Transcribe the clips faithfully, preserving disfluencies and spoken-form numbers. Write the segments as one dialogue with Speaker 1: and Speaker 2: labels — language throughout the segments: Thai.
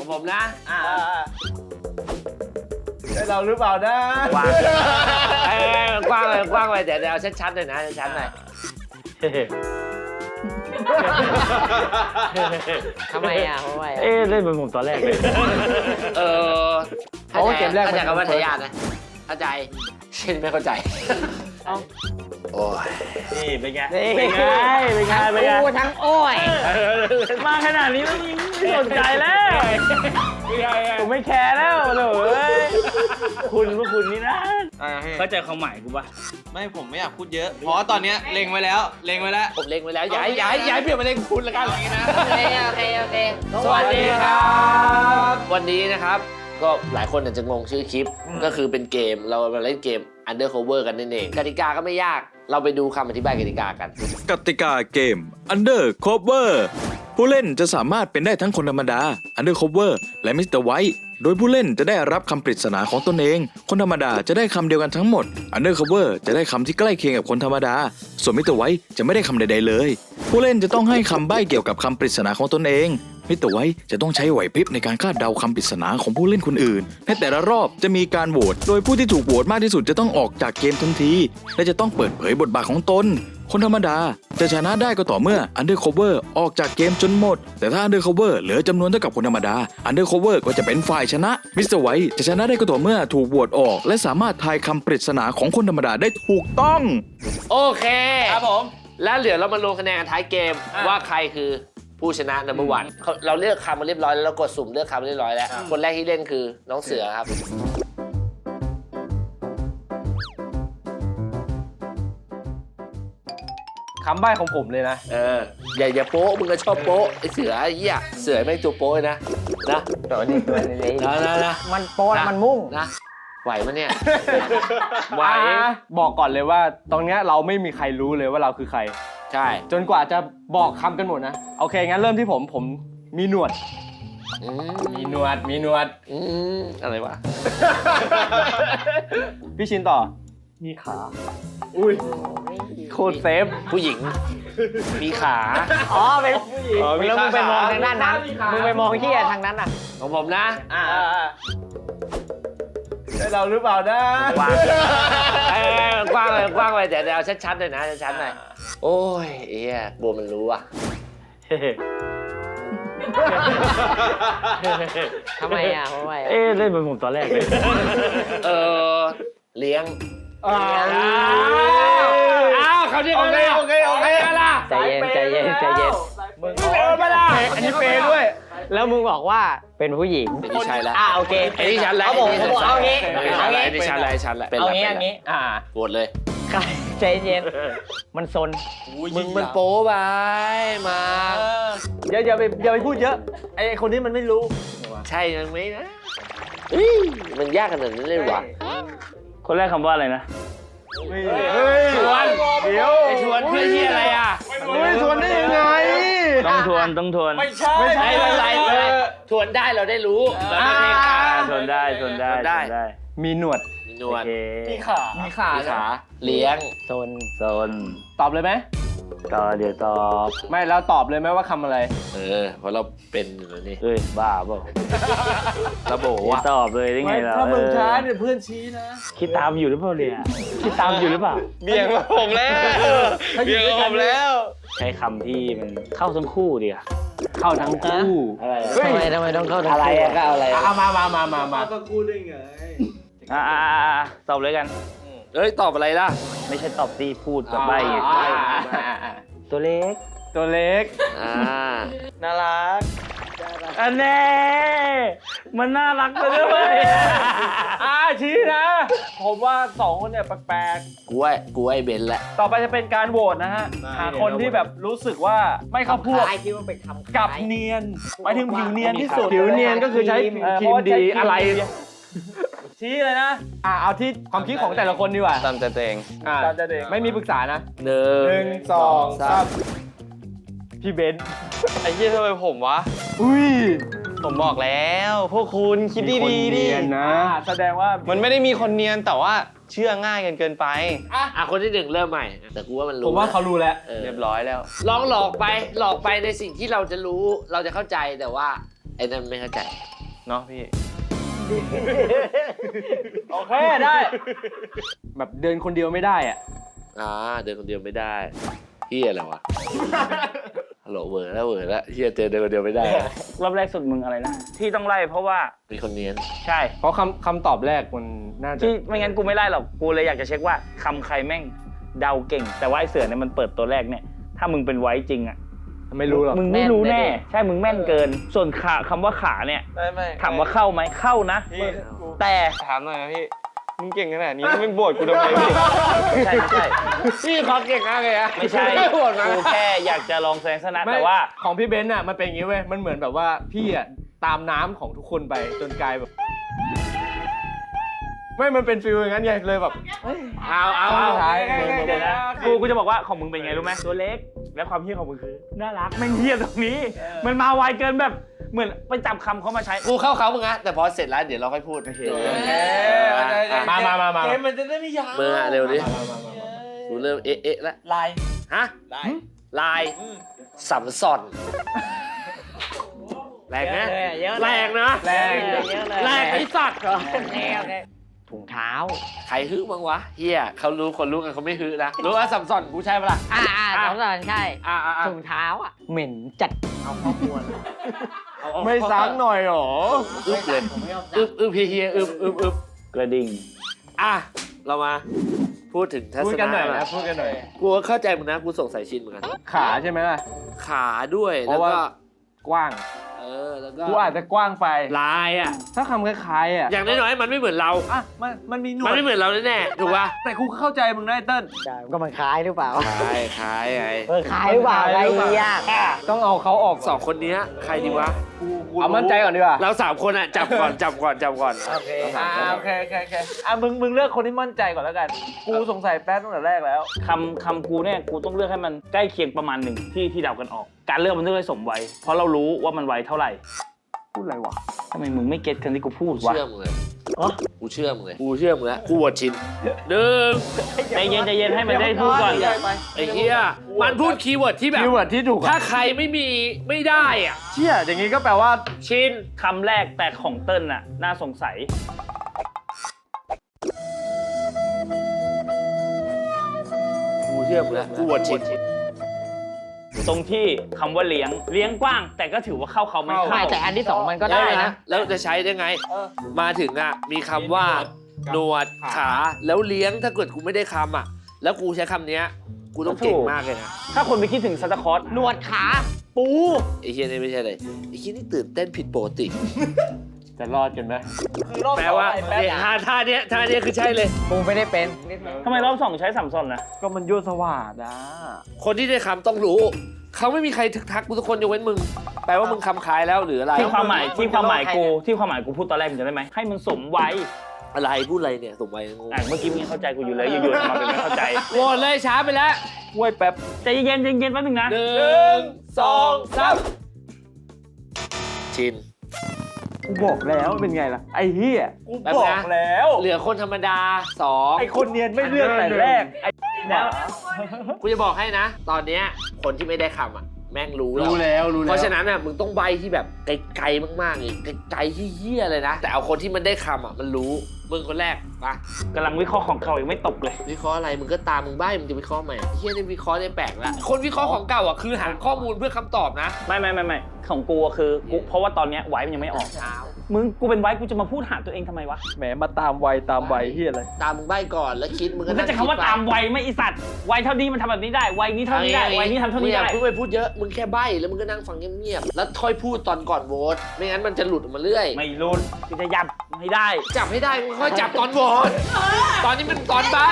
Speaker 1: ของผมนะอ่า
Speaker 2: ได้เราหรือเปล่านะ
Speaker 1: กว้างเอ้ยกว้างเลยกว้างเลยเดี๋ยวเดี๋ยวเอาชัดๆหน่อยนะชัดๆหน่อย
Speaker 3: ทำไมอ่ะทำไม
Speaker 4: เอ๊ะเล่นเหมือนผมตอนแรกเลย
Speaker 1: เออ
Speaker 2: โอ้เกมแรก
Speaker 1: เข้าใจคำว่าทายาทนะเข้าใจเช่นไม่เข้าใจโอ้ย
Speaker 4: นี่เป็นไงเป็นไงเป็นไงเป็นไง
Speaker 3: กูทั้งโอ้ย
Speaker 4: มาขนาดนี้แล้วยังไม่สนใจแล้วผมไม่แคร์แล้วเลยคุณว่าคุณนี่นะเข้าใจความหมายกูปะ
Speaker 5: ไม่ผมไม่อยากพูดเยอะเพราะว่าตอนนี้เล็งไว้แล้วเล็งไว้แล้ว
Speaker 1: ผมเล็งไว้แล้วย้ายย้ายย้ายเปลี่ยนมาเล็งคุณละกันอย่างนี้นะ
Speaker 3: โอเคโอเคโอเค
Speaker 1: สวัสดีครับ วันนี้นะครับก็หลายคนอาจจะงงชื่อคลิปก็คือเป็นเกมเรามาเล่นเกม Undercover กันนั่นเองกติกาก็ไม่ยากเราไปดูคำอธิบายกติกากัน
Speaker 6: กติกาเกม Undercover ผู้เล่นจะสามารถเป็นได้ทั้งคนธรรมดา Undercover และ มิสเตอร์ White โดยผู้เล่นจะได้รับคำปริศนาของตนเองคนธรรมดาจะได้คำเดียวกันทั้งหมด Undercover จะได้คำที่ใกล้เคียงกับคนธรรมดาส่วน มิสเตอร์ White จะไม่ได้คำใดๆเลยผู้เล่นจะต้องให้คำใบ้เกี่ยวกับคำปริศนาของตนเองมิสเตอร์ ไวท์จะต้องใช้ไหวพริบในการคาดเดาคำปริศนาของผู้เล่นคนอื่นในแต่ละรอบจะมีการโหวตโดยผู้ที่ถูกโหวตมากที่สุดจะต้องออกจากเกมทันทีและจะต้องเปิดเผยบทบาทของตนคนธรรมดาจะชนะได้ก็ต่อเมื่อ Undercover ออกจากเกมจนหมดแต่ถ้า Undercover เหลือจำนวนเท่ากับคนธรรมดา Undercover ก็จะเป็นฝ่ายชนะมิสเตอร์ ไวท์จะชนะได้ก็ต่อเมื่อถูกโหวตออกและสามารถทายคำปริศนาของคนธรรมดาได้ถูกต้อง
Speaker 1: โอเค
Speaker 5: ครับผม
Speaker 1: แล้วเดี๋ยวเรามาลงคะแนนท้ายเกมว่าใครคือผู้ชนะ นัมเบอร์วัน เราเลือกคำมาเรียบร้อยแล้วเรากดสุ่มเลือกคำมาเรียบร้อยแล้วคนแรกที่เล่นคือน้องเสือครับ
Speaker 2: คำใบ้ของผมเลยนะ
Speaker 1: เอออย่าอย่าโป๊ะมึงก็ชอบโป๊ะไอเสือไอ้เหี้ยเสือไม่งตัวโป๊ะเลยนะนะ
Speaker 3: ตัวนี้ตัวนี้
Speaker 1: นะนะนะ
Speaker 3: มันโป๊ะมันมุ่ง
Speaker 1: นะไหวมั้ยเนี่ย
Speaker 2: ไหวบอกก่อนเลยว่าตรงเนี้ยเราไม่มีใครรู้เลยว่าเราคือใคร
Speaker 1: ใช่
Speaker 2: จนกว่าจะบอกคำกันหมดนะโอเคงั้นเริ่มที่ผมผมมีหนวดมีหนวดมีหนวด
Speaker 1: อืมอะไรวะ
Speaker 2: พี่ชินต่อ
Speaker 4: มีขา
Speaker 2: อุ้ยโคตรเซฟ
Speaker 1: ผู้หญิงมีขา
Speaker 3: อ๋อเป็นผู้หญิงแล้วมึงไปมองทางด้านนั้นมึงไปมองที่ทางนั้นอ่ะ
Speaker 1: ของผมนะอ่า
Speaker 2: ได้เราหรือเปล่านะ
Speaker 1: กว้างเอ้ยกว้างเลยกว้างเลยเดี๋ยวเดี๋ยวเอาชัดๆหน่อยนะชัดๆหน่อยโอ้ยเอี้ยกลัวมันรู้อ่ะ
Speaker 3: ทำไมอ่ะทำไม
Speaker 4: เอ๊ะเล่นเหมือนผมตอนแรกเลย
Speaker 1: เออเลี้ยง
Speaker 2: อ้าว
Speaker 1: อ้าวเขาเรียก
Speaker 2: โอ
Speaker 1: กัน
Speaker 2: เค
Speaker 1: แล้ว
Speaker 2: โอเคโอเค
Speaker 1: ล่ะ
Speaker 3: ใจเย็นใจเย็นใจเย็น
Speaker 2: มึงเออไม่ได้อันนี้เปย์ด้วย
Speaker 3: แล้วมึงบอกว่าเป็นผู้หญิง
Speaker 1: เป็นที่ชัยแล้ว
Speaker 3: อ่ะโอเค
Speaker 1: ไอ้ที่ชันแล้ว
Speaker 3: เขาบอกเขาบอกเอางี้
Speaker 1: ไอ้ที่ชั
Speaker 3: เอา
Speaker 1: นแล้ว
Speaker 3: งี้
Speaker 1: ไอ้ที่ชันแล้วไอ้ชันแล้วเป็น
Speaker 3: เอา
Speaker 1: แล้ว
Speaker 3: งี้
Speaker 1: เป็น
Speaker 3: เอา
Speaker 1: แล้ว
Speaker 3: งี้อ่า
Speaker 1: โหวตเลย
Speaker 3: ใจเย็นมันซน
Speaker 1: มึงมันโป๊ไปมา
Speaker 2: อย่าอย่าไปอย่าไปพูดเยอะไอ้คนนี้มันไม่รู้
Speaker 1: ใช่ยังไหมนะเฮ้ยมันยากขนาดนั้นเลยวะ
Speaker 4: คนแรกคำว่าอะไรนะ
Speaker 2: เฮ้ย
Speaker 1: ชวน
Speaker 2: เดี๋ยว
Speaker 1: ไอ้ชวนเพื่อที่อะไรอ่ะ
Speaker 2: เฮ้ยชวนได้ยังไง
Speaker 4: ต้องทวนต้องทวน
Speaker 2: ไม่ใช่
Speaker 1: ไม่ใช่ไม่เป็นไรไม่เป็นไรชวนได้เราได้รู้เราได้เพลง
Speaker 4: อ่า
Speaker 1: อ่ะ
Speaker 4: ทวนได้ทวนได้
Speaker 1: ทวนได้
Speaker 4: ทวนได้
Speaker 2: มีหนวด
Speaker 1: มีนวล
Speaker 4: โอเค
Speaker 2: มีขามีขา
Speaker 1: มีขาเลี้ยง
Speaker 3: โซน
Speaker 4: โซน
Speaker 2: ตอบเลยไหม
Speaker 4: ต่อเดี๋ยวตอบ
Speaker 2: ไม่แล้วตอบเลยไหมว่าคำอะไร
Speaker 1: เออเพราะเราเป็นอยู่แล้วนี่
Speaker 4: เอ้ยบ้าเปล่า
Speaker 1: ระโบ
Speaker 4: อย่า
Speaker 1: ว่ะ
Speaker 4: ตอบเลยได้ไงล่ะ
Speaker 2: ถ้ามึงช้า
Speaker 4: เออ
Speaker 2: เนี่ยเพื่อนชี้นะ
Speaker 4: คิดตามอยู่หรือเปล่าเนี่ยคิดตามอยู่หรือเปล่า
Speaker 5: เบี่ยงมาผมแล้วเบี่ยงมาผมแล้ว
Speaker 4: ใช้คำที่มันเข้าทั้งคู่ดีอะ
Speaker 2: เข้าทั้งคู่
Speaker 4: อะไร
Speaker 3: ทำไมทำไมต้องเข้าทาง
Speaker 4: อะไรอะก็เอาอะไร
Speaker 2: เอามามามามามา
Speaker 4: อ่าอ่าอ่าอ่าตอบเลยกัน
Speaker 1: เอ้ยตอบอะไรล่ะ
Speaker 4: ไม่ใช่ตอบตีพูดกับใบ
Speaker 2: อ่าอ่าอ่าอ่า
Speaker 4: ตัวเล็ก
Speaker 2: ตัวเล็ก
Speaker 1: อ่า
Speaker 5: น่ารัก
Speaker 4: อันแน่มันน่ารักไปด้วย
Speaker 2: อ่าชี้นะ ผมว่าสองคนเนี่ยแปลก
Speaker 1: กูไอ้กูไอ้เบนแหละ
Speaker 2: ๆ ต่อไปจะเป็นการโหวตนะฮะ หาคนที่แบบรู้สึกว่าไม่เข้าพวก
Speaker 3: คล้ายคิดว่าเป็นคำ
Speaker 2: กับเนียนหมายถึงผิวเนียนที่สุด
Speaker 3: ผิวเนียนก็คือใช้
Speaker 2: เออ
Speaker 3: ครีมดีอะไร
Speaker 2: ชี้เลยนะ อ่าเอาที่ความคิดของแต่ละคนดีกว่า
Speaker 5: ตามใจตัวเอง
Speaker 2: อ่าไม่มีปรึกษานะ
Speaker 1: หนึ่ง
Speaker 2: หนึ่งสองสามพี่เบนซ์
Speaker 5: ไอ้เหี้ยทำไมผมวะ
Speaker 2: อุ้ย
Speaker 5: ผมบอกแล้ว พวกคุณคิดดี
Speaker 2: มีคน
Speaker 5: ๆดิ
Speaker 2: เนียนนะ แสดงว่า
Speaker 5: มันไม่ได้มีคนเนียนแต่ว่าเชื่อง่ายกันเกินไป
Speaker 1: อ่ะคนที่หนึ่งเริ่มใหม่ แต่กูว่ามันรู้
Speaker 2: ผมว่าเขารู้แล้ว
Speaker 1: ออ
Speaker 5: เรียบร้อยแล้ว
Speaker 1: ลองหลอกไปหลอกไปในสิ่งที่เราจะรู้เราจะเข้าใจแต่ว่าไอ้นั่นไม่เข้าใจ
Speaker 4: เนาะพี่
Speaker 2: โอเคได้ แบบเดินคนเดียวไม่ได้อ่ะ
Speaker 1: อ่าเดินคนเดียวไม่ได้เฮียอะไรวะ ฮัลโหลเวอร์แล้วเวอร์แล้วเฮียเจอเดินคนเดียวไม่ได้
Speaker 4: รอบแรกสุดมึงอะไรนะ ที่ต้องไล่เพราะว่า
Speaker 1: มีคนเนียน
Speaker 4: ใช่
Speaker 2: เพราะคำคำตอบแรกมันน่าจะ
Speaker 4: ที่ไม่งั้นกูไม่ไล่หรอก กูเลยอยากจะเช็คว่าคำใครแม่งเดาเก่ง แต่ว่าไอ้เสือเนี่ยมันเปิดตัวแรกเนี่ย ถ้ามึงเป็นไว้จริงอ่ะ
Speaker 2: ไม่รู้หรอก
Speaker 4: มึงไม่รู้แน่ ใช่ มึงแม่นเกิน ส่วนขาคำว่าขาเนี่ย
Speaker 5: ไม่ไม่
Speaker 4: ถามว่าเข้าไหมเข้านะ
Speaker 5: พี่
Speaker 4: แต่
Speaker 5: ถามหน่อยนะพี่ มึงเก่งขนาดนี้มึงโบดกูทำไมพี่
Speaker 4: ใช่ไม่ใช่
Speaker 1: พี่เขาเก่งมากเลยอะ
Speaker 4: ไม่ใช่
Speaker 1: ไม่โหดนะ
Speaker 4: กูแค่อยากจะลองแสดงสนะ
Speaker 2: ไม่
Speaker 4: แต่ว่า
Speaker 2: ของพี่เบนซ์อ่ะมันเป็นอย่างนี้เว้ย มันเหมือนแบบว่าพี่อ่ะตามน้ำของทุกคนไปจนกลายแบบ ไม่มันเป็นฟิลอย่างนั้นไงเลยแบบ
Speaker 1: เอาเอาเอา
Speaker 2: ท้าย
Speaker 4: เดี๋ยวนะกูกูจะบอกว่าของมึงเป็นไงรู้ไหมตัวเล็ก และความเฮี้ยของมึงคือน่ารักแม่งเฮี้ยตรงนี้ มันมาไวเกินแบบเหมือนไปจับคำเขามาใช้
Speaker 1: กูเข้าเขามึงอะแต่พอเสร็จแล้วเดี๋ยวเราค่อยพูด
Speaker 4: โอเค
Speaker 1: เออ
Speaker 5: เอ๊ะ
Speaker 1: อ่ะอ่ะ
Speaker 2: มามามามา
Speaker 5: เกมมันจะได้ไม่ยาว
Speaker 1: มึงอะเร็วดิกูเริ่มเอ๊ะเอ๊ะแล้ว
Speaker 5: ลาย
Speaker 1: ฮะ
Speaker 5: ลาย
Speaker 1: ลายสัมสอนแรงนะ
Speaker 3: เยอะเลย
Speaker 1: แรงนะ
Speaker 2: แรง
Speaker 3: เยอะเลย
Speaker 1: แรงไอ้สัตว์
Speaker 3: โอเคโอเคถุงเท้า
Speaker 1: ใครฮึบ้างวะเฮียเขารู้คนรู้กันเขาไม่ฮึนะรู้ว่าสัมสอนกูใช่ปะล่ะ
Speaker 3: อ่าอ่าสองสอนใช่
Speaker 1: อ่าอ่าอ่า
Speaker 3: ถุงเท้าอ่ะ เหม็นจัด เอาข้อควร
Speaker 2: ไม่ซักหน่อยหรอ
Speaker 1: อึบเลยอึบอึบเฮียอึบอึบอึบ
Speaker 4: กระดิ่ง
Speaker 1: อ่ะเรามาพูดถึงทัศ
Speaker 2: พูดกันหน่อย
Speaker 1: นะ
Speaker 2: นะพูดกันหน่อย
Speaker 1: กูเข้าใจมึงนะกูสงสัยชินเหมือนกัน
Speaker 2: ขาใช่ไหมล่ะ
Speaker 1: ขาด้วย
Speaker 2: เพ
Speaker 1: แล้ว
Speaker 2: ราะว่า
Speaker 1: ก็
Speaker 2: กว้าง
Speaker 1: เออแล้วก็
Speaker 2: กูอาจจะกว้างไป
Speaker 1: ลายอ่ะ
Speaker 2: ถ้าคำคล้ายๆอ่ะ
Speaker 1: อย่างน้อยๆมันไม่เหมือนเรา
Speaker 2: อ่ะมันมันมีหนว
Speaker 1: มัน
Speaker 2: ด
Speaker 1: ไม่เหมือนเราแน่ๆถูกป่ะ
Speaker 2: แต่กูก็เข้าใจมึงนะไอ้เติ้ล
Speaker 3: ใช่ก็มันคล้ายหรือเปล่า
Speaker 1: คล้ายคล้ายไง
Speaker 3: เออคล้ายหรือเปล่าไอ้ยาก
Speaker 2: ต้องเอาเขาออก
Speaker 1: สองคนเนี้ยใครดีวะกูกู
Speaker 2: เอามั่นใจก่อนดีกว่า
Speaker 1: เราสามคนอ่ะจับก่อนจับก่อนจับก่อน
Speaker 3: โอเค
Speaker 2: อ่าโอเคโอเคโอเคอ่ะมึงมึงเลือกคนที่มั่นใจก่อนแล้วกัน กูสงสัยแป๊บตั้งแต่แรกแล้ว
Speaker 4: คำคำกูเนี่ยกูต้องเลือกให้มันใกล้เคียงประมาณหนึ่งที่ที่เดากันออก การเลือกมันต้องให้สมวัยเพราะเรารู้ว่ามันวัยเท่าไหร่
Speaker 2: พูดอะไรวะ
Speaker 4: ทำไมมึงไม่เก็ตคำที่กูพูดวะ
Speaker 1: เชื่อมึงเลยกูเชื่อมึงเลยกูเชื่อมึงแล้วกูโหวตชินหนึ่ง
Speaker 4: ใจเย็นใจเย็นให้มันได้พูดก่อน
Speaker 1: ไอ้เหี้ยมันพูดคีย์เวิร์ดที่แบบ
Speaker 2: คีย์เวิร์ดที่ถูก
Speaker 1: ถ้า
Speaker 2: อ่ะ
Speaker 1: ใครไม่มีไม่ได้อ่ะ
Speaker 2: เชี่ยอย่างงี้ก็แปลว่า
Speaker 1: ชิน
Speaker 4: คำแรกแต่ของเติ้ลน่ะน่าสงสัย
Speaker 1: กูเชื่อมึงแล้วกูโหวตชิน
Speaker 4: ตรงที่คำว่าเลี้ยงเลี้ยงกว้าง แต่ก็ถือว่าเข้าเขาไม่
Speaker 3: ไม่
Speaker 4: เข้า
Speaker 3: แต่อันที่สองมันก็ได้นะ
Speaker 1: แล้วจะใช้ได้ไง มาถึงอ่ะมีคำว่าหนวดขาแล้วเลี้ยงถ้าเกิดกูไม่ได้คำอ่ะ แล้วกูใช้คำเนี้ยกูต้องเก่งมากเลยนะ
Speaker 4: ถ้าคนไปคิดถึงซันตาคลอส
Speaker 3: หนวดขา ปู
Speaker 1: ไอ้เฮียนี่ไม่ใช่เลยไอ้เฮียนี่ตื่นเต้นผิดปกติ
Speaker 2: จะรอดกันไหม
Speaker 1: แปลว่าเนี่ยท่าท่าเนี้ยท่าเนี้ยคือใช่เลย
Speaker 3: ปูไม่ได้เป็น
Speaker 4: ทำไมรอบสองใช้สัมซอนนะ
Speaker 2: ก็มันยั่วสว่างนะ
Speaker 1: คนที่ได้คำต้องรู้ เขาไม่มีใครทึกทักกูทุกคนยกเว้นมึง แปลว่ามึงคำคายแล้วหรืออะไร
Speaker 4: ที่ความหมายที่ความหมายกูที่ความหมายกูพูดตอนแรกมึงจะได้ไหมให้มันสมวัย
Speaker 1: อะไรพูดอะไรเนี่ยสมวัยงง
Speaker 4: อ่ะเมื่อกี้มึงยังเข้าใจกูอยู่เลยอยู่ๆมาเป็นไม่เข้าใจ
Speaker 1: โหวตเลยช้าไปแล้ว
Speaker 2: ห้วยแป๊บ
Speaker 4: ใจเย็นใจเย็นแป๊บนึงนะ
Speaker 1: หนึ่งสองสามชิน
Speaker 2: กูบอกแล้วเป็นไงล่ะ ไอ้เหี้ย
Speaker 1: กูบอกแล้ว เหลือคนธรรมดาสอง
Speaker 2: ไอ้คนเนียนไม่เลือกแต่แรก ไอ้แล้ว
Speaker 1: กูจะบอกให้นะ ตอนเนี้ยคนที่ไม่ได้คำอ่ะ แม่งรู้
Speaker 2: รู้แล้วรู้แล้ว
Speaker 1: เพราะฉะนั้นอ่ะมึงต้องใบที่แบบไกลๆมากๆเลยไกลๆที่เหี้ยเลยนะ แต่เอาคนที่มันได้คำอ่ะมันรู้มึงคนแรกปะ
Speaker 4: กำลังวิเคราะห์ของเขายังไม่ตกเลย
Speaker 1: วิเคราะห์อะไรมึงก็ตามมึงใบมึงจะวิเคราะห์ใหม่เฮียนี่วิเคราะห์ได้แปลกละคนวิเคราะห์ของเก่าอ่ะคือหาข้อมูลเพื่อคำตอบนะ
Speaker 4: ไม่ไม่ไม่ไม่ของกูอะคือกูเพราะว่าตอนเนี้ยไว้มันยังไม่ออก
Speaker 1: เช้า
Speaker 4: มึงกูเป็นไว้กูจะมาพูดหาตัวเองทำไมวะ
Speaker 2: แหมมาตามวัยตามวัยเหี้ยอะไร
Speaker 1: ตามมึงใบก่อนแล้วคิดมึง
Speaker 4: มึงก็จะคำว่าตามวัยไม่อีสัตว์วัยเท่านี้มันทำแบบนี้ได้วัยนี้เท่านี้ได้วัยนี้ทำเท่านี้
Speaker 1: อย่า
Speaker 4: ได้
Speaker 1: เพิ่งไปพูดเยอะมึงแค่ใบแล้วมึงก็นั่งฟังเงียบๆแล้วค่อยพูดตอนก่อนโหวตไม่งั้นมันจะหลุดออกมาเรื่อย
Speaker 4: ไม่รุนกูจะยับให้ได้
Speaker 1: จับให้ได้มึงค่อยจับตอนโหวตตอนนี้มันตอนใบ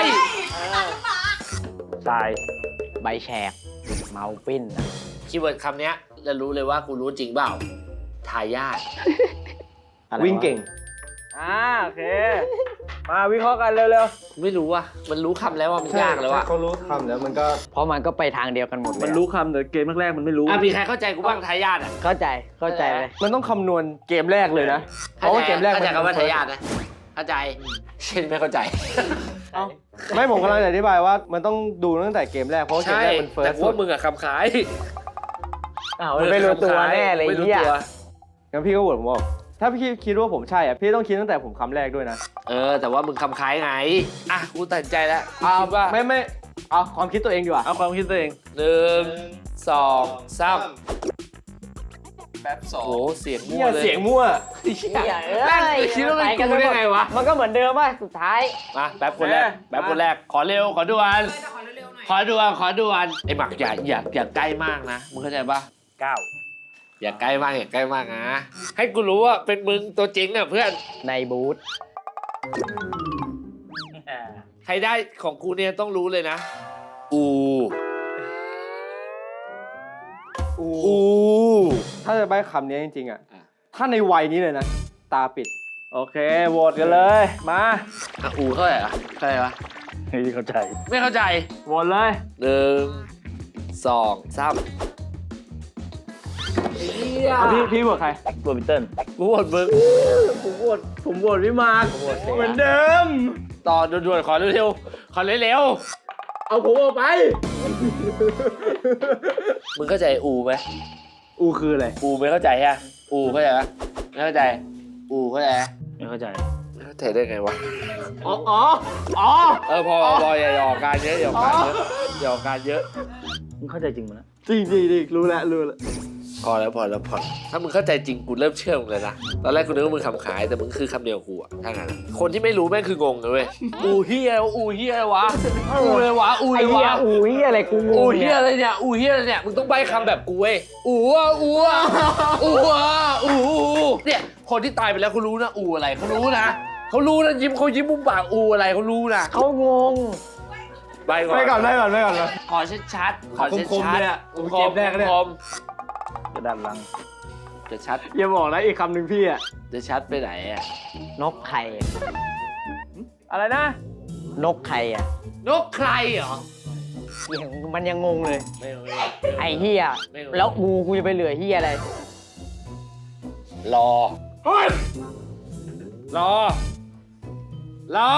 Speaker 4: ตาย
Speaker 3: ใบแฉก เมาปิ้นอะ
Speaker 1: คีย์เวิร์ดคำเนี้ยจะรู้เลยว่ากูรู้จริงเปล่าทายาท
Speaker 3: อะไร
Speaker 2: วิ่งเก่ง อ่าโอเค มาวิเคราะห์กันเร็ว
Speaker 1: ไม่รู้ว่ะมันรู้คำแล้วว่ามัน
Speaker 2: ๆ
Speaker 1: ยากแล้วว่ะ
Speaker 2: เขารู้คำแล้วมันก็
Speaker 3: เพราะมันก็ไปทางเดียวกันหมดเลย
Speaker 2: มันรู้คำแต่เกมแรกๆมันไม่รู้
Speaker 1: อ่ะมีใครเข้าใจกูบ้างทายาทอ่ะ
Speaker 3: เข้าใจ เข้าใจเลย
Speaker 2: มันต้องคำนวณเกมแรกเลยนะ เพราะว่าเกมแรก
Speaker 1: เข้าใจ
Speaker 2: มัน
Speaker 1: คำว่าทายาทนะเข้าใจเช่นไม่เข้าใจ
Speaker 2: เอ้าไม่ผมกำลังจะอธิบายว่ามันต้องดูตั้งแต่เกมแรกเพราะว่าเกม
Speaker 1: ใช่
Speaker 2: แรกมันเฟิร์
Speaker 1: แต่
Speaker 2: ส
Speaker 1: พ
Speaker 2: สุ
Speaker 1: วก
Speaker 2: ด
Speaker 1: มึงอะคำขาย
Speaker 3: อ้าวมันไม่รู้ตัวแน่เลย
Speaker 1: ไม่รู้
Speaker 3: เหี้ย
Speaker 1: ตัว
Speaker 2: งั้นพี่ก็โหวตผมบอกถ้าพี่คิดว่าผมใช่อ่ะพี่ต้องคิดตั้งแต่ผมคำแรกด้วยนะ
Speaker 1: เออ แต่ว่ามึงคำคล้ายไง อ่ะ กูตัดสินใจแล้วกู
Speaker 2: เอา
Speaker 1: คิดว่า
Speaker 2: ไม่ไม่เอาความคิดตัวเองดีกว่า
Speaker 4: เอาความคิดตัวเอง
Speaker 1: หนึ่งสองสาม
Speaker 5: แป๊บสอง
Speaker 1: โอ้โหเสียงมั่
Speaker 2: เนี่
Speaker 1: วย เลย
Speaker 2: เสียงมั่ว
Speaker 3: อย่าเอ้
Speaker 1: แม่ง
Speaker 3: ย
Speaker 1: คิดว่าเป็นกูได้ไงวะ
Speaker 3: มันก็เหมือนเดิมป่ะสุดท้าย
Speaker 1: มาแป๊บคนแรก แป๊บคนแรก ขอเร็ว ขอด่วน ขอด่วน ขอด่วน ไอ้หมักอย่าอย่าอย่าใกล้มากนะ มึงเข้าใจปะ
Speaker 4: เก้า
Speaker 1: อย่าใกล้มาก อย่าใกล้มากนะ ให้กูรู้ว่าเป็นมึงตัวจริงอ่ะเพื่อน
Speaker 3: ในบูธ
Speaker 1: ใครได้ของกูเนี่ยต้องรู้เลยนะ อู
Speaker 2: อู
Speaker 1: อู
Speaker 2: ถ้าจะใบ้คำนี้จริงๆอ่ะ
Speaker 1: อ่ะ
Speaker 2: ถ้าในวัยนี้เลยนะ ตาปิด
Speaker 4: โอเคโหวตกันเลย มา
Speaker 1: อ่ะอูเท่าไหร่อะเท่าไหร่วะ
Speaker 4: นี่เข้าใจ
Speaker 1: ไม่เข้าใจ
Speaker 4: โหวตเลย
Speaker 1: หนึ่งสองสามไอ้เหี้ย
Speaker 2: พี่พี่บวกใคร
Speaker 4: โรบินเติ้ล
Speaker 1: กูหมดมึง
Speaker 2: ผมบวกผมบวกพี่มาร์ค
Speaker 1: เหมือนเดิม ต่อด่วนๆขอเร็วๆขอเร็ว
Speaker 2: เอาผมออกไป
Speaker 1: ๆมึงเข้าใจอูไหม
Speaker 2: อูคืออะไร
Speaker 1: อูไม่เข้าใจฮะอูเข้าใจไหมไม่เข้าใจ อูเข้าใจไหม
Speaker 4: ไม่เข้าใจ
Speaker 1: ไม่เข้าใจได้ไงวะ
Speaker 2: อ๋อ อ๋อ อ๋อ
Speaker 1: เออพอพออย่าหยอกการเยอะอย่าหยอกการเยอะอย่าหยอกการเยอะ
Speaker 4: มึงเข้าใจจริงมั้ย
Speaker 2: จริงจริงจริงรู้แล้วรู้แล้ว
Speaker 1: พอแล้วพอแล้วพอถ้ามึงเข้าใจจริงกูเริ่มเชื่อมึงเลยนะตอนแรกกูนึกว่ามึงคำขายแต่มึงคือคำเดียวกูอะถ้างั้นอะคนที่ไม่รู้แม่งคืองงเลยเว้ยอูเฮียอูเฮียวะอูเลยวะอูเล
Speaker 3: ไอ้
Speaker 1: ย
Speaker 3: เหี้ยว
Speaker 1: ะ
Speaker 3: อูเหี้ยอะไรกูง
Speaker 1: อู
Speaker 3: ง
Speaker 1: เฮี
Speaker 3: เนี่ย ย
Speaker 1: อะไรเนี่ยอูเฮียอะไรเนี่ยมึงต้องใบ้คำแบบกูเว้ยอูอะอูอะอูอะอูเนี่ยคนที่ตายไปแล้วเขารู้นะอูอะไรเขารู้นะเขารู้นะยิ้มเขายิ้มมุมปากอูอะไรเขารู้นะ
Speaker 3: เขางง
Speaker 1: ใบก่อน
Speaker 2: ไปก่อนไปก่อนไปก่อน
Speaker 1: ขอชัดๆขอชัดๆ
Speaker 2: คมๆเลยอะ
Speaker 1: คม
Speaker 2: เกมแรกเนี่ย
Speaker 1: คม
Speaker 4: กระดานลัง
Speaker 1: จะชัด
Speaker 2: อย่าบอกนะอีกคำหนึ่งพี่อ่ะ
Speaker 1: จะชัดไปไหนอะ
Speaker 3: นกไข่
Speaker 2: อะไรนะ
Speaker 3: นกไข่อ่ะ
Speaker 1: นกใครเหรอ
Speaker 3: ยังมันยังงงเลย
Speaker 1: ไม่รู้
Speaker 3: ไอ้เหี้ย
Speaker 1: ไม่รู้
Speaker 3: แล้วอูกูจะไปเหลือเหี้ยอะไร
Speaker 1: รอรอ รอ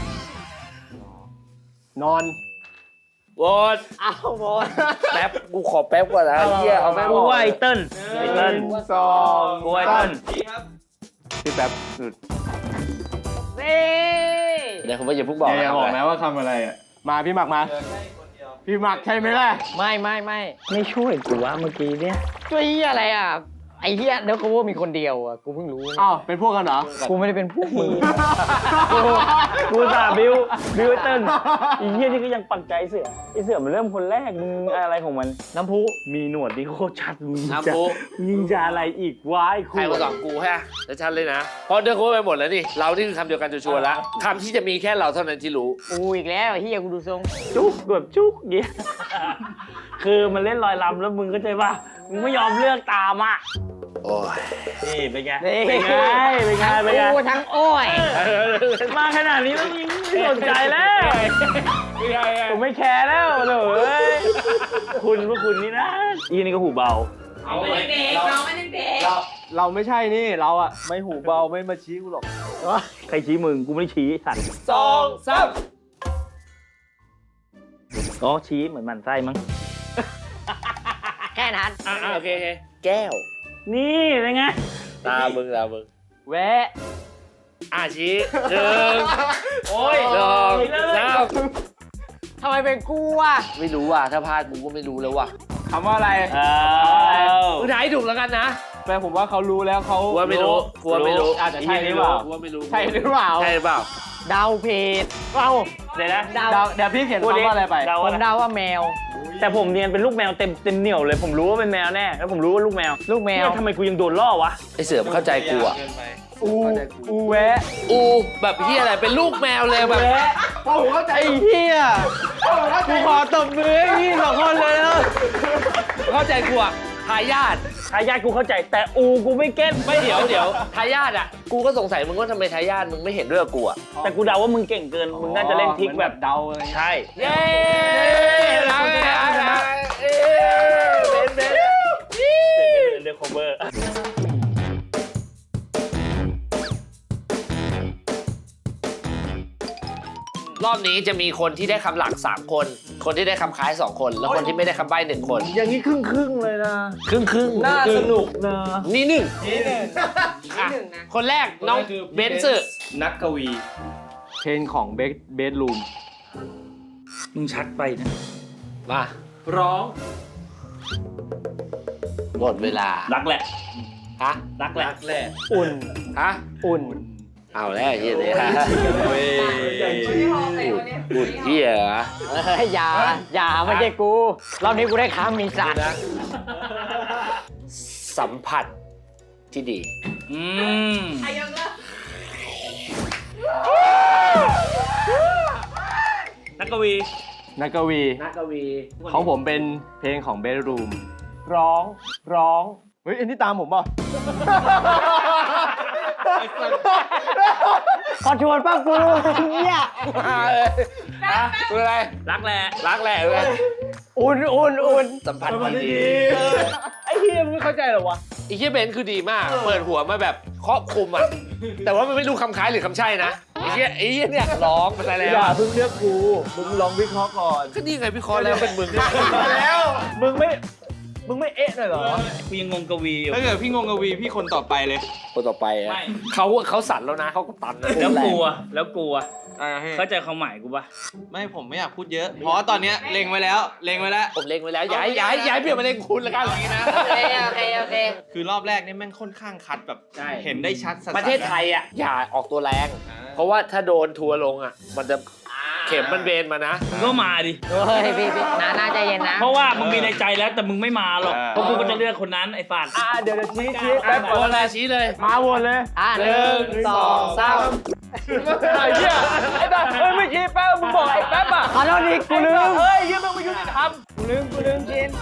Speaker 2: นอน
Speaker 1: โหวต
Speaker 3: อ้าวบอล
Speaker 1: แป๊บ กูขอแป๊บก่อนนะเฮียเอาแป๊บ
Speaker 4: กู
Speaker 1: ก่อน
Speaker 4: ว่าไอ้เติ้ลไอ้เติ้ล
Speaker 2: สอง
Speaker 4: กูว่าไอ้เติ้ล
Speaker 2: พี่แป๊บหยุด
Speaker 3: นี่
Speaker 1: เดี๋ยวคุณว่าอย่าเพิ่งบอก
Speaker 2: อย่า
Speaker 1: นะ
Speaker 2: บอกนะว่าคำอะไรอ่ะ มาพี่หมักมา พี่หมักใช่ไหมล่ะ
Speaker 3: ไม่ไม่ไม่
Speaker 4: ไม่ช่วยกูว่าเมื่อกี้เนี่ย
Speaker 3: ช่วยเหี้ยอะไรอ่ะ ไอ้เหี้ยเดี๋ยวกูว่ามีคนเดียวอ่ะ กูเพิ่งรู้
Speaker 2: อ้าว เป็นพวกกันเหรอ
Speaker 3: กูไม่ได้เป็นพวกมึง
Speaker 4: กูกูสาบิวบิวไอ้เติ้ลไอีเหี้ยนี่ก็ยังปักใจเสือไอเสือมันเริ่มคนแรกมึงอะไรของมัน
Speaker 3: น้ำพุ
Speaker 4: มีหนวดนี่โคตรชัดมึง
Speaker 1: น้ำ
Speaker 4: จะ
Speaker 1: พุ
Speaker 4: ยิงจะอะไรอีกวะไอ้
Speaker 1: ใค
Speaker 4: คู่
Speaker 1: รมาสองกูฮะจะชัดเลยนะเพราะเดินโค้ไปหมดแล้วนี่ เรานี่คือคำเดียวกันชัวร์ๆแล้วคำที่จะมีแค่เราเท่านั้นที่รู้
Speaker 3: อูอีกแล้วไอ้เหี้ยกูดูทรง
Speaker 4: จุกแบบจุกเงี้ยคือมันเล่นลอยลำแล้วมึงก็ใจป่ะมึงไม่ยอมเลือกตามอ่ะ
Speaker 1: โอ้ย
Speaker 4: นี่เป็นไง
Speaker 3: นี่
Speaker 4: เป็นไงเป็นไงเป็นไง
Speaker 3: อูทั้งโอ้ย
Speaker 4: มาขนาดนี้แล้วมึงไม่สนใจแล้วผมไม่แคร์แล้วเลยคุณพวกคุณนี่นะอีนี่ก็หูเบา
Speaker 2: เราเราไม่ใช่นี่ เราอ่ะ ไม่หูเบาไม่มาชี้กูหรอก
Speaker 4: ใครชี้มึงกูไม่ได้ชี้ไอ้สัตว์
Speaker 1: สองสาม
Speaker 4: อ๋อชี้เหมือนหมันไส้มั้ง
Speaker 3: แค่นั้น
Speaker 1: อ่าโอเคโอเคแก้ว
Speaker 4: นี่เป็นไง
Speaker 1: ตามึงตามึง
Speaker 3: แวะ
Speaker 1: อ่ะชี้หนึ่งโอ้ยสองสาม
Speaker 3: ทำไมเป็นกูอ่ะ
Speaker 1: ไม่รู้ว่ะถ้าพลาดกูก็ไม่รู้แล้วว่ะ
Speaker 2: คำว่าอะไร
Speaker 4: อ้าว
Speaker 1: มึงถ่ายให้ถูกแล้วกันนะ
Speaker 2: แปลผมว่าเขารู้แล้วเขา
Speaker 1: กูว่าไม่รู้กูว่าไม่รู้
Speaker 2: อาจจะใช่หรือเปล่า
Speaker 1: กูว่าไม่รู้
Speaker 2: ใช่หรือเปล่า
Speaker 1: ใช่หรือเปล่า
Speaker 3: เดาเพจเอ้า
Speaker 4: เดี๋ยวนะ
Speaker 3: เดา
Speaker 2: เดาเดี๋ยวพี่เขียนคำว่าอะไรไป
Speaker 4: เดา
Speaker 3: ผ
Speaker 4: ว่าม
Speaker 3: เดาว่าแมว
Speaker 4: แต่ผมเนียนเป็นลูกแมวเต็มเต็มเหนียวเลยผมรู้ว่าเป็นแมวแน่แล้วผมรู้ว่าลูกแมว
Speaker 3: ลูกแมว
Speaker 4: เนี่ยทำไมกูยังโดนล่อวะ
Speaker 1: ไอเสือมนเข้าใจกูอ่ะ
Speaker 2: อูอูแวะ
Speaker 1: อูแบบเฮียอะไรเป็นลูกแมวเลยแบบ
Speaker 2: โอ้โหเข้าใจเฮียกูขอตบมือให้พี่สองคนเลยนะ
Speaker 1: เข้าใจกูอ่ะทายาท
Speaker 4: ทายาทกูเข้าใจแต่อูกูไม่เก็ต
Speaker 1: ไม่เดี๋ยวเดี๋ยวทายาทอ่ะกูก็สงสัยมึงว่าทำไมทายาทมึงไม่เห็นด้วยกับกูอ่ะ
Speaker 4: แต่กูเดาว่ามึงเก่งเกินมึงน่าจะเล่นทริกแบบ
Speaker 2: เดาอะไร
Speaker 4: ใช่
Speaker 1: เย้รักนะรักเอ้เบนเบน
Speaker 4: เดอะคอเวอร์
Speaker 1: รอบนี้จะมีคนที่ได้คำหลักสามคน คนที่ได้คำคล้ายสองคน แล้วคนที่ไม่ได้คำใบ้หนึ่งคน
Speaker 4: อย่างนี้ครึ่งครึ่งๆเลยนะ
Speaker 1: ครึ่งครึ่ง
Speaker 4: น่าสนุกนะ
Speaker 1: นี่หนึ่ง
Speaker 3: นี่หนึ่ง
Speaker 1: อ่ะคนแรกน้องเบนซ์
Speaker 5: นักกวี
Speaker 2: เพลงของเบสเบสรูม
Speaker 4: มึงชัดไปนะ
Speaker 1: มา
Speaker 5: ร้อง
Speaker 1: หมดเวลา
Speaker 4: รักแหละ
Speaker 1: ฮะ
Speaker 4: รักแหละ
Speaker 5: แหละ
Speaker 2: อุ่น
Speaker 1: ฮะ
Speaker 2: อุ่น
Speaker 1: เอาแล้วไอ้เฮียเลยฮะ
Speaker 5: เว้ย
Speaker 1: อุ่นเฮียเหรอ
Speaker 3: เฮ้ยอย่าอย่าไม่ใช่กูรอบนี้กูได้ค้ามีสัตว์
Speaker 1: สัมผัสที่ดี
Speaker 4: อืม นักกวี
Speaker 2: นักกวี
Speaker 1: นักกวี
Speaker 2: ของผมเป็นเพลงของเบสรูมร้องร้องเฮ้ยอันนี้ตามผมป่ะ
Speaker 3: ขอชวนป้ากูเนี่ย
Speaker 1: มาเลยฮะคืออะไร
Speaker 4: รักแหละ
Speaker 1: รักแหละเลย
Speaker 3: อุ่นอุ่นอุ่น
Speaker 1: สัมผัสที่ดี
Speaker 2: ไอ้เฮียมึงไม่เข้าใจเหรอวะ
Speaker 1: ไอ้เฮียเบนซ์คือดีมาก เปิดหัวมาแบบครอบคลุมอ่ะ แต่ว่ามันไม่รู้คำคล้ายหรือคำใช่นะ ไอ้เฮียไอ้เฮียเนี่ยร้องไปซะแล้ว
Speaker 2: อย่าเพิ่งเลือกกูมึงลองวิเคราะห์ก่อน
Speaker 1: ก็นี่ไงพี่คอแล้วเป็นมึง
Speaker 2: แล้ว มึงไม่ มึงไม่เอ๊ะหน่อยเหรอ
Speaker 4: กูยังงงกวีอยู่
Speaker 5: ถ้าเกิดพี่งงกวีพี่คนต่อไปเลย
Speaker 1: คนต่อไปอ่ะ
Speaker 4: ไม่
Speaker 1: เขาเขาสั่นแล้วนะเขาก็ตันนะ
Speaker 4: แล้วกลัว แล้วกลัว
Speaker 5: อ่าเฮ้ย
Speaker 4: เข้าใจความหมายกูปะ
Speaker 5: ไม่ผมไม่อยากพูดเยอะ เพราะว่าตอนเนี้ยเล็งไว้แล้ว เล็งไว้แล้ว
Speaker 1: ผมเล็งไว้แล้วย้ายย้ายย้ายเปลี่ยนมาเล็งคุณละกัน
Speaker 5: นี้นะ
Speaker 3: โอเคโอเคโอเค
Speaker 5: คือรอบแรกนี่แม่งค่อนข้างคัดแบบ
Speaker 1: ใช่
Speaker 5: เห็นได้ชัดสัสๆ
Speaker 1: ประเทศไทยอ่ะอย่าออกตัวแรง
Speaker 5: อ่า
Speaker 1: เพราะว่าถ้าโดนทัวร์ลงอ่ะ มันจะเข็มมันเบนมานะ
Speaker 4: มึงก็มาดิ
Speaker 3: เฮ้ยพี่พี่นาน่าใจเย็นนะ
Speaker 4: เพราะว่ามึงมีในใจแล้วแต่มึงไม่มาหรอก เพราะกูก็จะเลือกคนนั้นไอ้ฝาด
Speaker 2: อ่าเดี๋ยวเดี๋ยวชี้ชี้
Speaker 1: แป๊
Speaker 2: แป๊
Speaker 1: บบ โอนอะไรชี้เลย
Speaker 2: มาวนเลย
Speaker 3: อ่ะ
Speaker 1: หนึ่งสองสาม
Speaker 2: ไอ้เหี้ยไอ้บ้าเฮ้ยไม่ชี้แป๊บมึงบอกไอ้แป๊บอ่ะ
Speaker 3: ขอโทษดิกูลืม
Speaker 2: เฮ้ยเหี้ยมึงไม่ยุติธรรม
Speaker 3: กูลืมกูลืมชิน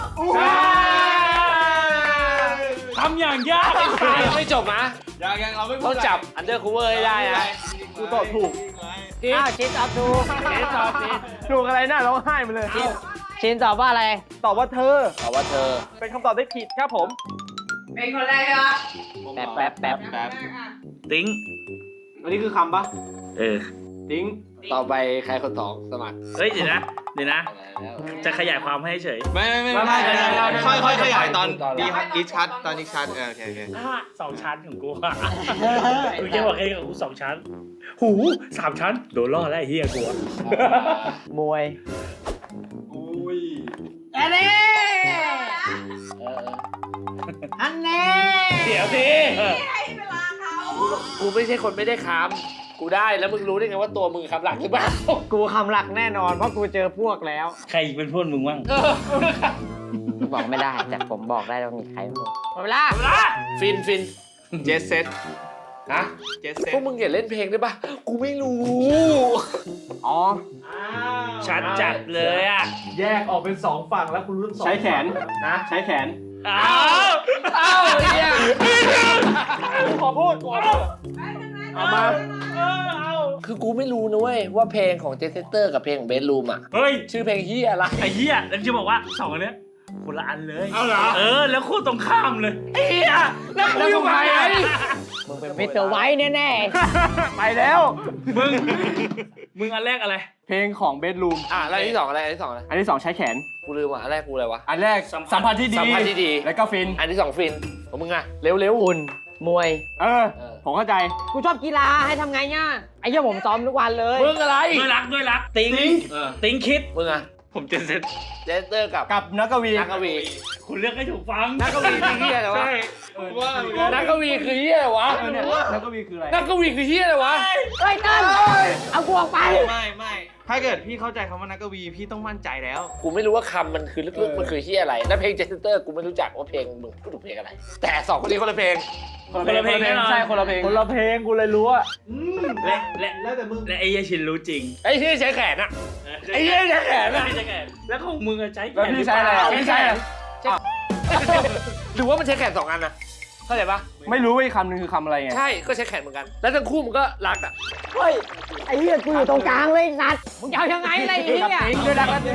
Speaker 4: ทำอย่างยากไอ้ฝาด
Speaker 1: ยังไม่จบนะ
Speaker 5: ยังยังเราไม่พูด
Speaker 1: ต้องจับอันเดอร์คูเวอร์ให้ได้นะ
Speaker 2: กูตอบถูก
Speaker 3: อ้าวชินตอบถูก
Speaker 1: เนสตอบผิด
Speaker 2: ถูกอะไรน่าร้องไห้มาเลย
Speaker 3: ชินตอบว่าอะไร
Speaker 2: ตอบว่าเธอ
Speaker 1: ตอบว่าเธอ
Speaker 2: เป็นคำตอบที่ผิดครับผม
Speaker 7: เป็นคนแรกใช่ปะ
Speaker 3: แป๊บแป๊บแป๊บ
Speaker 5: แป๊บ
Speaker 4: ติ้ง
Speaker 2: อันนี้คือคำปะ
Speaker 4: เออ
Speaker 2: ติ้ง
Speaker 1: ต่อไปใครคนสองสมัคร
Speaker 4: เฮ้ยเดี๋ยวนะ เดี๋ยวนะ จะขยายความให้เฉย
Speaker 5: ไม่ไม่ไม่
Speaker 2: ไม่
Speaker 5: ไม่
Speaker 2: ไม่ไม่ไม่
Speaker 5: ค่อยค่อยขยายตอน
Speaker 1: ตอน
Speaker 5: ดีดีชัดตอนดีชัดเออโอเคโอเค
Speaker 4: สองชั้นของกูอะกูแค่บอกแค่กับกูสองชั้น หูสามชั้น โดนล่อแล้วไอ้เฮียกูอะ
Speaker 3: มวย
Speaker 5: อุ้ย
Speaker 7: อันนี้
Speaker 1: เออ
Speaker 7: อันนี้
Speaker 4: เดี๋ยวสิ
Speaker 7: ให้เวลาเขา
Speaker 1: กูไม่ใช่คนไม่ได้คำกูได้แล้วมึงรู้ได้ไงว่าตัวมึงคำหลักหรือเปล่า
Speaker 3: กูคำหลักแน่นอนเพราะกูเจอพวกแล้ว
Speaker 4: ใครเป็นพวกมึงบ้าง
Speaker 3: บอกไม่ได้แต่ผมบอกได้ว่ามีใครบ้างหมดเวลา
Speaker 1: ฟินฟิน
Speaker 5: เจสเซต
Speaker 1: ฮะ
Speaker 5: เจสเซ
Speaker 1: พว
Speaker 5: ต
Speaker 1: กมึงอย่าเล่นเพลงได้ปะกูไม่รู้
Speaker 3: อ๋อ
Speaker 4: ชัดจัดเลยอ่ะ
Speaker 2: แยกออกเป็นสองฝั่งแล้วคุณรุ่นสองใช้แขนนะใช้แขน
Speaker 4: อ้าว
Speaker 1: อ้าวเนี่ย
Speaker 2: ขอพูดก่อนเอามา
Speaker 1: คือกูไม่รู้นะเว้ยว่าเพลงของเจสเตอร์กับเพลงของเบสรูมอ่ะ
Speaker 4: เฮ้ย
Speaker 1: ชื่อเพลงเฮียอะไร
Speaker 4: ไอ้เหี้ยแล้วจะบอกว่าสองอันเนี้ยคนละอันเลย
Speaker 1: เอาเหรอ
Speaker 4: เออ แล้วคู่ตรงข้ามเลยไอ้เหี้ยแล้วกูอยู่ไหน
Speaker 3: มึงเป็นมิสเตอร์ไวท์แน่
Speaker 2: ไปแล้ว
Speaker 4: มึง มึงอันแรกอะไร
Speaker 2: เพลงของเบสรูม
Speaker 1: อ่ะแล้วอันที่สองอะไรอันที่สองอะไร
Speaker 2: อันที่สองใช้แขน
Speaker 1: กูลืมอ่ะอันแรกกูอะไรวะ
Speaker 2: อันแรกสัมพันธ์ที่ดี
Speaker 1: สัมพันธ์ที่ดี
Speaker 2: แล้วก็ฟิน
Speaker 1: อันที่สองฟินของมึงอ่ะเร็วเร็ว
Speaker 3: ๆอุ่นมวย
Speaker 2: เออ
Speaker 1: เออ
Speaker 2: ผมเข้าใจ
Speaker 3: กูชอบกีฬาให้ทำไงเนี่ยไอ้เหี้ยผมซ้อมทุกวันเลย
Speaker 1: มึงอะไร
Speaker 4: ด้วยรักด้วยรัก ติ้ง
Speaker 1: เออ
Speaker 4: ติ้งคิด
Speaker 1: มึงอ่ะ
Speaker 4: ผมเจนเซ็ต
Speaker 1: เจสเตอร์กับ
Speaker 2: กับนักกวี
Speaker 1: นักกวี
Speaker 4: คุณเลือกให้ถูกฟัง
Speaker 1: นักกวีคือเฮียอะไรวะ
Speaker 4: ใช่
Speaker 5: ว่า
Speaker 1: นักกวีคือเฮียอะไรวะ
Speaker 2: เออเนี่ยนักกวีคืออะไร
Speaker 1: นักกวีคือเฮียอะไรวะ
Speaker 3: เฮ้ยเติ้ลเอากูออกไป
Speaker 5: ไม่ไม่ถ้าเกิดพี่เข้าใจคำว่านักกวีพี่ต้องมั่นใจแล้ว
Speaker 1: กูไม่รู้ว่าคำมันคือลึกๆมันคือเฮียอะไรแล้วเพลงเจสเตอร์กูไม่รู้จักว่าเพลงมึงพูดถึงเพลงอะไร แต่สองคนนี้คนละเพลง
Speaker 4: คนละเพลงแน่นอน
Speaker 2: ใช่คนละเพลงคนละเพลงกูเลยรู้อะ
Speaker 4: และและแล้วแต่มึงและไอ้เหี้ยชินรู้จริง
Speaker 1: ไอ้เฮียใช้แขนอะ ไอ้เหี้ยใช้แขนอะ
Speaker 4: ไม่ใช่แขนแล้วของมึงอะใช้แข
Speaker 2: แล้ว
Speaker 4: น
Speaker 2: พี่ใช้อะไรอะพี่ใช้อะไร
Speaker 1: หรือว่ามันใช้แขนสองอันนะเข้าใจปะ
Speaker 2: ไม่รู้ว่าอีกคำหนึงคือคำอะไรไง
Speaker 1: ใช่ก็ใช้แขนเหมือนกัน แล้วทั้งคู่มันก็รักอะ
Speaker 3: เฮ้ยไอ้เหี้ยกูอยู่ตรงกลางเลยสัตว์มึงจะเอายังไงอะไรไอ้เหี้ย
Speaker 2: กับติ้งด้วยรักกัน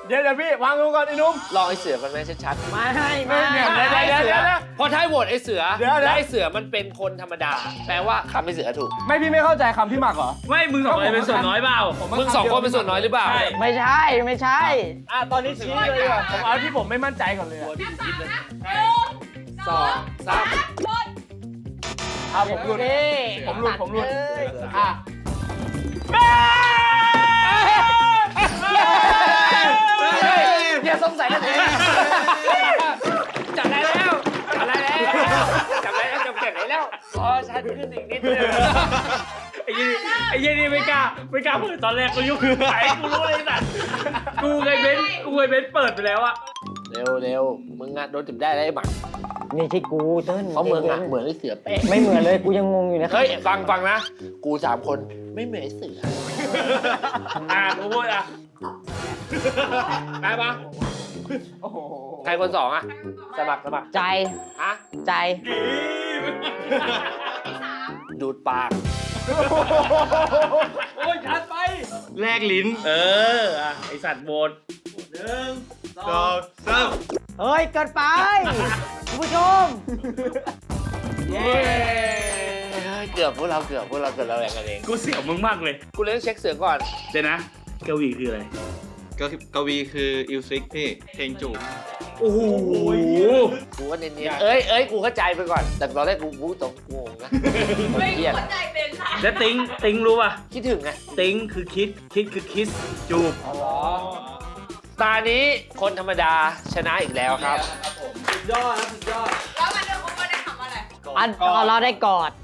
Speaker 2: เดี๋ยวเดี๋ยวพี่วางลงก่อนไอ้นุ่ม
Speaker 1: ลองไอ้เสือมันไหมชัดๆ
Speaker 3: ไม่ไม่
Speaker 2: เดี๋ยว
Speaker 1: ได้
Speaker 2: เดี๋ยว
Speaker 1: เสื
Speaker 2: เดี๋
Speaker 1: อ
Speaker 2: ยวเดี๋ยว
Speaker 1: พอท้ายโหวตไอ้เสือ
Speaker 2: เดี๋ยวเดี๋ยว
Speaker 1: และไอ้เสือมันเป็นคนธรรมดา แปลว่าคำไอ้เสือถูก
Speaker 2: ไม่พี่ไม่เข้าใจคำพี่หมักเหรอ
Speaker 4: ไม่มึงสองคนเป็นส่วนน้อยเปล่า
Speaker 1: มึงสองคนเป็นส่วนน้อยหรือเปล่า
Speaker 4: ใช่
Speaker 3: ไม่ใช่ไม่ใช่
Speaker 2: อ่ะตอนนี้ชี้เลยดีกว่าผมเอาที่ผมไม่มั่นใจก่อนเลยอะ
Speaker 1: สองสาม
Speaker 2: อ่ะผมหลุด
Speaker 3: โอเค
Speaker 2: ผมหลุดผมหลุด
Speaker 3: เลย
Speaker 2: อ่ะ
Speaker 1: อย่าสงสัยกันเองจับได้แล้วจับได้แล้วจับได้แล้วจับเก็บได้แล้วอ๋อชัดขึ้นอีกนิดนึง
Speaker 4: ไอ้ยี่ไอ้ยี่นี่ไม่กล้าไม่กล้าเปิดตอนแรกกูยุ่งไอ้กูรู้เลยสัตว์กูเคยเบนกูเคยเบนเปิดไปแล้วอะ
Speaker 1: เร็วเร็วมึงอะโดนจับได้แล้วไอ้หมัก
Speaker 3: นี่ใช่กูเติ้ล
Speaker 1: เพราะมึงอะเหมือนไอ้เสือเป๊ะ
Speaker 3: ไม่เหมือนเลยกูยังงงอยู่นะ
Speaker 1: เฮ้ยฟังฟังนะ กูสามคนไม่เหมือนไอ้เสือ
Speaker 4: อ่ากูพูดอะ
Speaker 1: ได้ปะ
Speaker 2: โอ้โห
Speaker 1: ใครคนสองอะสมัครสมัคร
Speaker 3: ใจ
Speaker 1: ฮะ
Speaker 3: ใจ
Speaker 1: ดูดปาก
Speaker 4: โอ้ยชัดไป
Speaker 5: แลกลิ้น
Speaker 4: เอออ่ะไอสัตว์โบน
Speaker 5: สองสาม
Speaker 3: เฮ้ยเกินไปคุณผู้ชม
Speaker 1: เย้เกือบพวกเราเกือบพวกเราเกือบเราแรงกันเอง
Speaker 4: กูเสียวมึงมากเลย
Speaker 1: กูเลยต้องเช็คเสือก่อน
Speaker 4: เดี๋ยวนะเกาหลีคืออะไร
Speaker 5: ก็กวีคืออิลซิกพี่เพลงจูบ
Speaker 4: โอ้โห
Speaker 1: กูก็เนียนๆเอ้ยเอ้ยกูเข้าใจไปก่อน แต่ตอนแรกกูกูตรงงงนะ
Speaker 7: ไม่
Speaker 1: เครียด
Speaker 7: เข้าใจเป็นค่ะ
Speaker 4: แล้วติงติงรู้ป่ะ
Speaker 1: คิดถึงไง
Speaker 4: ติงคือคิดคิดคือคิสจูบ
Speaker 1: ตานี้คนธรรมดาชนะอีกแล้วครับ
Speaker 7: แล้วมันเรื่องของมันได้ทำอะไร
Speaker 3: อันเราได้กอด